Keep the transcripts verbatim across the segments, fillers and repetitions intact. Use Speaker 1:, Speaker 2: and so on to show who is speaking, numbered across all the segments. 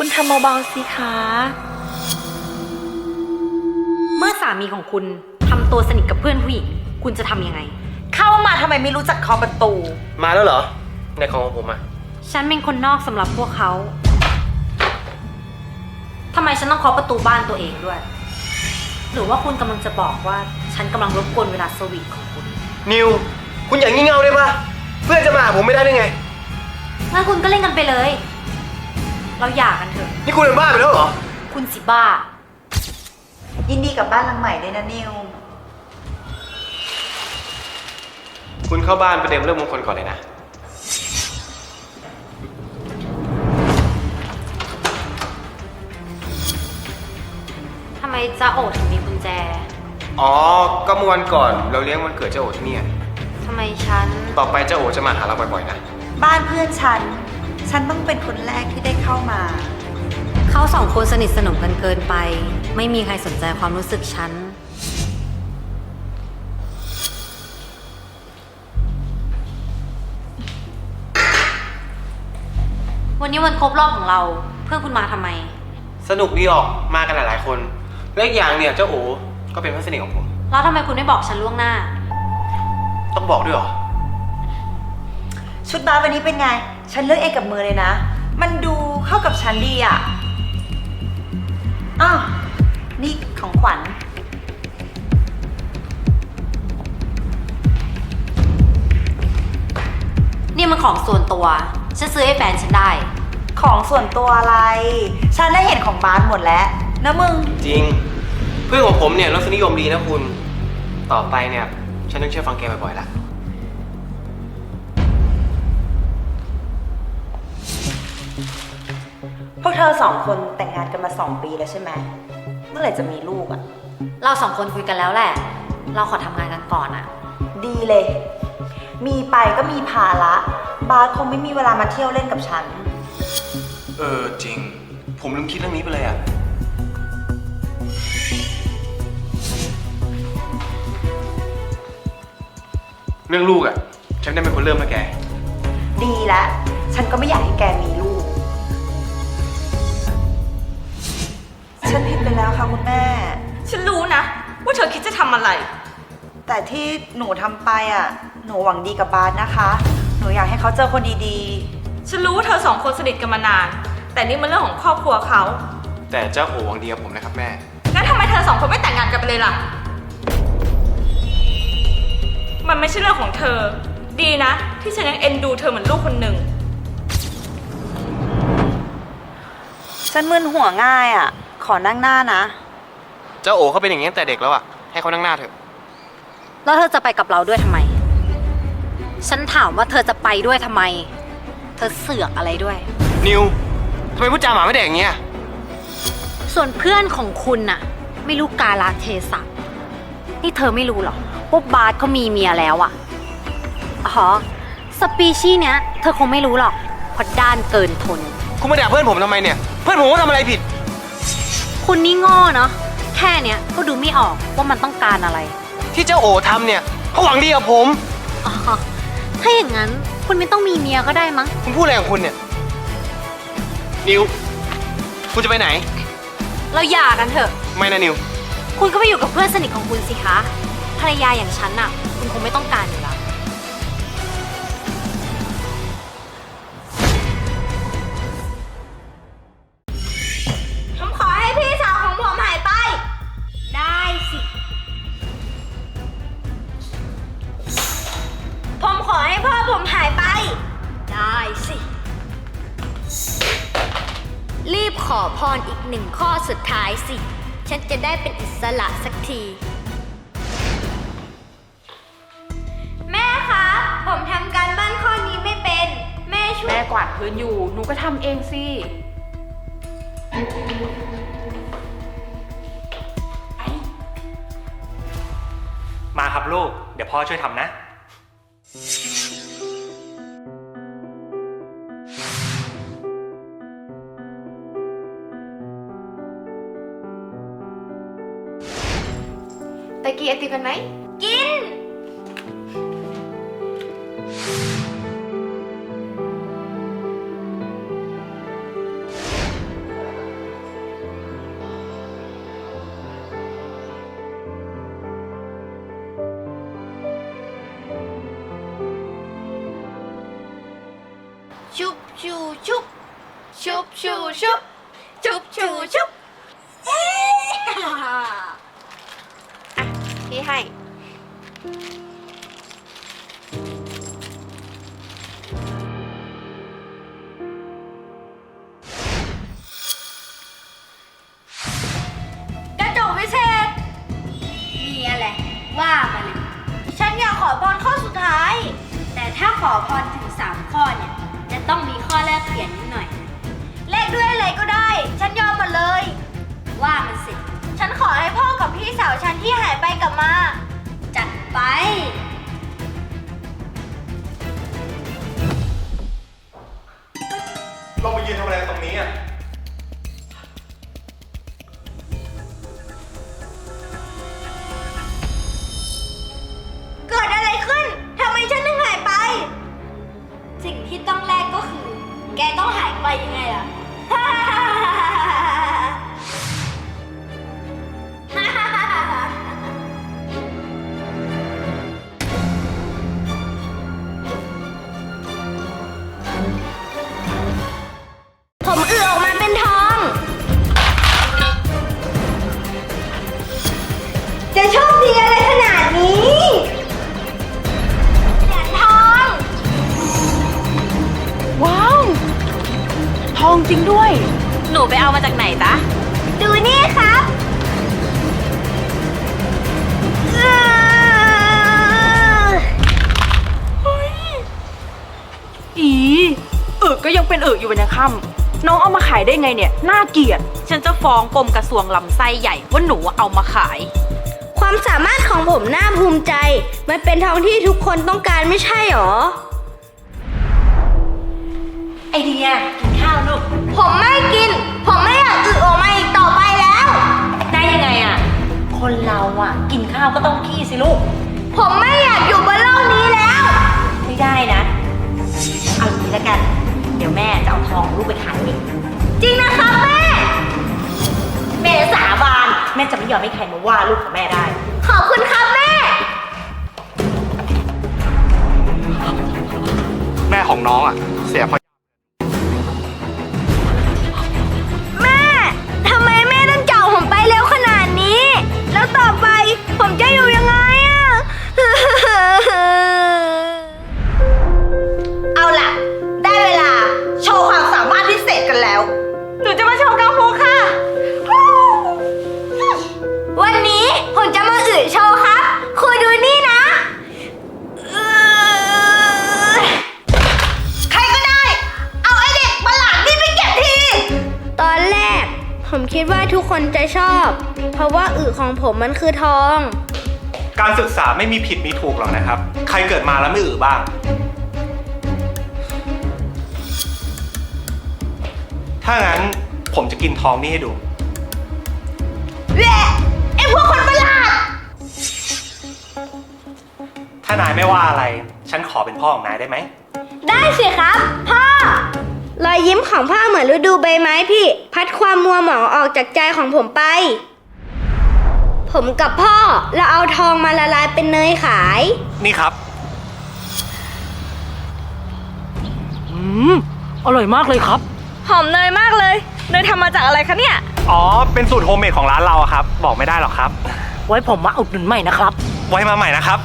Speaker 1: คุณทำเบาๆสิคะ
Speaker 2: เมื่อสามีของคุณทำตัวสนิทกับเพื่อนผู้หญิงคุณจะทำยังไง
Speaker 1: เข้ามาทำไมไม่รู้จักเคาะประตู
Speaker 3: มาแล้วเหรอในของของผมอะ
Speaker 2: ฉันเป็นคนนอกสำหรับพวกเขาทำไมฉันต้องเคาะประตูบ้านตัวเองด้วยหรือว่าคุณกำลังจะบอกว่าฉันกำลังรบกวนเวลาสวีทของคุณ
Speaker 3: นิวคุณอย่างงี่เง่าได้ปะเพื่อนจะมาหาผมไม่ได้ได้ไง
Speaker 2: งั้นคุณก็เล่นกันไปเลยเราหย่ากันเถอะ
Speaker 3: นี่คุณเป็นบ้าไปแล้วเหรอ
Speaker 2: คุณสิบ้า
Speaker 1: ยินดีกับบ้านหลังใหม่ด้วยนะนิว
Speaker 3: คุณเข้าบ้านไปเดิมเรื่องมงคลก่อนเลยนะ
Speaker 2: ทำไมจ๊ะโอถึงมีกุญแจ
Speaker 3: อ๋อก็เมื่อวันก่อนเราเลี้ยงวันเกิดเจ้าโอที่นี่
Speaker 2: ทำไมฉัน
Speaker 3: ต่อไปเจ้าโอจะมาหาเราบ่อยๆนะ
Speaker 1: บ้านเพื่อนฉันฉันต้องเป็นคนแรกที่ได้เข้ามา
Speaker 2: เขาสองคนสนิทสนมกันเกินไปไม่มีใครสนใจความรู้สึกฉันวันนี้วันครบรอบของเราเพื่อนคุณมาทำไม
Speaker 3: สนุกดีออกมากันหลายๆคนและอีกอย่างเนี่ยเจ้าโอก็เป็นเพื่อนสนิทของผม
Speaker 2: แล้วทำไมคุณไม่บอกฉันล่วงหน้า
Speaker 3: ต้องบอกด้วยหรอ
Speaker 1: ชุดบาสวันนี้เป็นไงฉันเลือกเองกับมือเลยนะมันดูเข้ากับฉันดีอ่ะอ้าวนี่ของขวัญ
Speaker 2: นี่มันของส่วนตัวฉันซื้อให้แฟนฉันได้
Speaker 1: ของส่วนตัวอะไรฉันได้เห็นของบาสหมดแล้วนะมึง
Speaker 3: จริงเพื่อนของผมเนี่ยรสนิยมดีนะคุณต่อไปเนี่ยฉันต้องเชื่อฟังแกบ่อยๆละ
Speaker 1: พวกเธอสองคนแต่งงานกันมาสองปีแล้วใช่ไหมเมื่อไหร่จะมีลูกอ่ะ
Speaker 2: เราสองคนคุยกันแล้วแหละเราขอทำงานกันก่อนอ่ะ
Speaker 1: ดีเลยมีไปก็มีภาระบาสคงไม่มีเวลามาเที่ยวเล่นกับฉัน
Speaker 3: เออจริงผมลืมคิดเรื่องนี้ไปเลยอ่ะเรื่องลูกอ่ะฉันได้เป็นคนเริ่มแล้วแก
Speaker 1: ดีละฉันก็ไม่อยากให้แกมีลูกฉันผิดไปแล้วค่ะคุณแม่
Speaker 4: ฉันรู้นะว่าเธอคิดจะทำอะไร
Speaker 1: แต่ที่หนูทำไปอ่ะหนูหวังดีกับบาสนะคะหนูอยากให้เขาเจอคนดี
Speaker 4: ๆฉันรู้ว่าเธอสองคนสนิทกันมานานแต่นี่มันเรื่องของครอบครัวเขา
Speaker 3: แต่เจ้าโอหวังดีกับผมนะครับแม่
Speaker 4: งั้นทำไมเธอสองคนไม่แต่งงานกันไปเลยล่ะมันไม่ใช่เรื่องของเธอดีนะที่ฉันยังเอ็นดูเธอเหมือนลูกคนหนึ่ง
Speaker 1: ฉันมึนหัวง่ายอ่ะขอนั่งหน้านะ
Speaker 3: เจ้าโอเขาเป็นอย่างนี้ตั้งแต่เด็กแล้วอ่ะให้เขานั่งหน้าเถอะ
Speaker 2: แล้วเธอจะไปกับเราด้วยทำไมฉันถามว่าเธอจะไปด้วยทำไมเธอเสือกอะไรด้วย
Speaker 3: นิวทำไมพูดจาหมาไม่แดกอย่างเงี้ย
Speaker 2: ส่วนเพื่อนของคุณน่ะไม่รู้กาลเทศะนี่เธอไม่รู้หรอว่าบาสเขามีเมียแล้วอ่ะอ๋อสปีชีส์เนี้ยเธอคงไม่รู้หรอกเพราะด้านเกินทน
Speaker 3: คุณมาด่าเพื่อนผมทำไมเนี่ยเพื่อนผมว่าทำอะไรผิด
Speaker 2: คุณนี่โง่เนาะแค่เนี้ยก็ดูไม่ออกว่ามันต้องการอะไร
Speaker 3: ที่เจ้าโอทำเนี่ยเขาหวังดีกับผม
Speaker 2: อ๋อถ้าอย่างนั้นคุณไม่ต้องมีเมียก็ได้มั้ง
Speaker 3: คุณพูดอะไรของคุณเนี่ยนิวคุณจะไปไหน
Speaker 2: เราหย่ากันเถอะ
Speaker 3: ไม่นะนิว
Speaker 2: คุณก็ไปอยู่กับเพื่อนสนิทของคุณสิคะภรรยาอย่างฉันน่ะคุณคงไม่ต้องการอยู่แล้ว
Speaker 4: ผมขอให้พี่สาวของผมหายไป
Speaker 2: ได้สิ
Speaker 4: ผมขอให้พ่อผมหายไป
Speaker 2: ได้สิรีบขอพรอีกหนึ่งข้อสุดท้ายสิฉันจะได้เป็นอิสระสักที
Speaker 4: แม่คะผมทำการบ้านข้อนี้ไม่เป็นแม่ช่วย
Speaker 5: แม่กวาดพื้นอยู่หนูก็ทำเองสิ
Speaker 6: มาครับลูกเดี๋ยวพ่อช่วยทำนะ
Speaker 5: ไปกินไอติมกันไหม
Speaker 4: กิน
Speaker 5: อ
Speaker 4: ชุบชุบชูชุบชุบชูชุบเอ๊ะอ่ะพี่ให้ กระจกวิเศษ มีอะไรว่ามาเลย ฉันอยากขอพรข้อสุดท้าย แต่ถ้าขอพรถึงสามข้อเนี่ย จะต้องมีข้อแลกเปลี่ยนนิดหน่อย แลกด้วยอะไรก็ได้ ฉันยอมหมดเลย ว่ามันสิ ฉันขอให้พ่อกับพี่สาวฉันที่หายไปกลับมา จัดไป
Speaker 6: เรามายืนทำอะไรตรงนี้อ่ะ
Speaker 4: เกิดอะไรขึ้น ทำไมฉันถึงหายไป สิ่งที่ต้องแลกก็คือ แกต้องหายไปยังไงล่ะ ผมเอือออกมาเป็นทอง จะโชคดีอะไรขนาดนี้เหรียญทอง
Speaker 5: ว้าว ทองจริงด้วย
Speaker 2: หนูไปเอามาจากไหนจ๊ะ
Speaker 4: ดูนี่ครับเอื้อ
Speaker 5: อีอึก็ยังเป็นอึอยู่วันยังค่ำน้องเอามาขายได้ไงเนี่ย น่าเกลียด ฉันจะฟ้องกรมกระทรวงลำไส้ใหญ่ว่าหนูเอามาขาย
Speaker 4: ความสามารถของผมน่าภูมิใจ มันเป็นทองที่ทุกคนต้องการไม่ใช่หรอ
Speaker 1: ไอเดียกินข้าวลูก
Speaker 4: ผมไม่กิน ผมไม่อยากอึออกมาอีกต่อไปแล้ว
Speaker 1: ได้ยังไงอะคนเราอะกินข้าวก็ต้องขี้สิลูก
Speaker 4: ผมไม่อยากอยู่บนโลกนี้แล้ว
Speaker 1: ไม่ได้นะ เอาอย่างนี้ละกัน เดี๋ยวแม่จะเอาทองลูกไปขายเอง
Speaker 4: จริงนะครับแม่
Speaker 1: แม่สาบานแม่จะไม่ยอมให้ใครมาว่าลูกของแม่ได้
Speaker 4: ขอบคุณครับแม่
Speaker 6: แม่ของน้องอ่ะ เสียเพราะ
Speaker 4: แม่ ทำไมแม่ต้องจับผมไปเร็วขนาดนี้ แล้วต่อไปผมจะอยู่ยังไงอะ
Speaker 1: เอาล่ะ ได้เวลาโชว์ความสามารถพิเศษกันแล้ว หนูจะมาโชว์กังฟูค่ะ
Speaker 4: วันนี้ผมจะมาอึโชว์ครับครูดูนี่นะเออ
Speaker 1: ใครก็ได้ เอาไอเด็กประหลาดนี่ไปเก็บที
Speaker 4: ตอนแรก ผมคิดว่าทุกคนจะชอบ เพราะว่าอึของผมมันคือทอง
Speaker 6: การศึกษาไม่มีผิดมีถูกหรอกนะครับ ใครเกิดมาแล้วไม่อือบ้าง ถ้างั้นผมจะกินทองนี่ให้ดู
Speaker 1: แหละไอพวกคนประหลาด
Speaker 6: ถ้านายไม่ว่าอะไร ฉันขอเป็นพ่อของนายได้ไหม
Speaker 4: ได้สิครับ พ่อ รอยยิ้มของพ่อเหมือนฤดูใบไม้พี่ พัดความมัวหมองออกจากใจของผมไป ผมกับพ่อเราเอาทองมาละลายเป็นเนยขาย
Speaker 6: นี่ครับ
Speaker 5: อืม อร่อยมากเลยครับ
Speaker 1: หอมเนยมากเลย เนยทำมาจากอะไรคะเนี่ย
Speaker 6: อ๋อ เป็นสูตรโฮมเมดของร้านเราอะครับ บอกไม่ได้หรอกครับ
Speaker 5: ไว้ผมมาอุดหนุนใหม่นะครับ
Speaker 6: ไว้มาใหม่นะครับ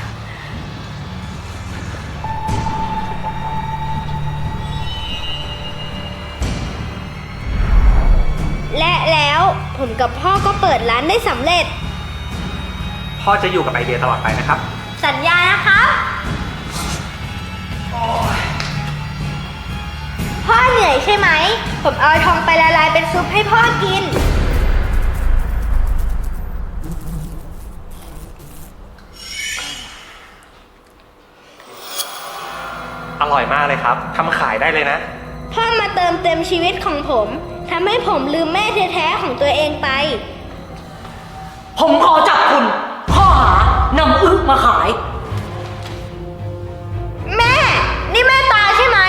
Speaker 4: และแล้วผมกับพ่อก็เปิดร้านได้สำเร็จ
Speaker 6: พ่อจะอยู่กับไอเดียตลอดไปนะครับ
Speaker 4: สัญญานะครับ พ่อเหนื่อยใช่ไหม ผมเอาทองไปละลายเป็นซุปให้พ่อกิน
Speaker 6: อร่อยมากเลยครับ ทำขายได้เลยนะ
Speaker 4: พ่อมาเติมเต็มชีวิตของผมทำให้ผมลืมแม่แท้ๆของตัวเองไป
Speaker 5: ผมขอจับคุณข้อหานำอึมาขาย
Speaker 4: แม่ นี่แม่ตาใช่ไหม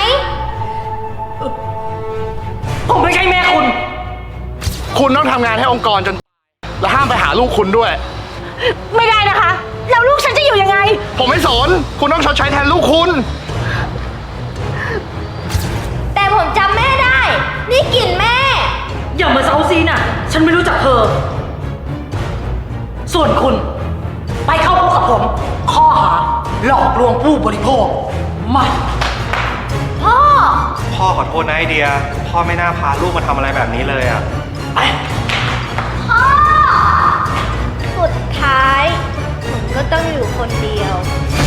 Speaker 5: ผมไม่ใช่แม่คุณ
Speaker 7: คุณต้องทำงานให้องค์กรจน และห้ามไปหาลูกคุณด้วย
Speaker 5: ไม่ได้นะคะ แล้วลูกฉันจะอยู่ยังไง
Speaker 7: ผมไม่สน คุณต้องชดใช้แทนลูกคุณ
Speaker 4: แต่ผมจำแม่ได้ นี่กลิ่นแม่
Speaker 5: อย่ามาเซาซีน่ะ ฉันไม่รู้จักเธอ ส่วนคุณ ไปเข้าคุกกับผม ข้อหาหลอกลวงผู้บริโภคมา
Speaker 4: พ่อ
Speaker 6: พ่อขอโทษนะไอเดีย พ่อไม่น่าพาลูกมาทำอะไรแบบนี้เลยอ่ะ
Speaker 5: ไป
Speaker 4: พ่อ สุดท้ายผมก็ต้องอยู่คนเดียว
Speaker 5: ไป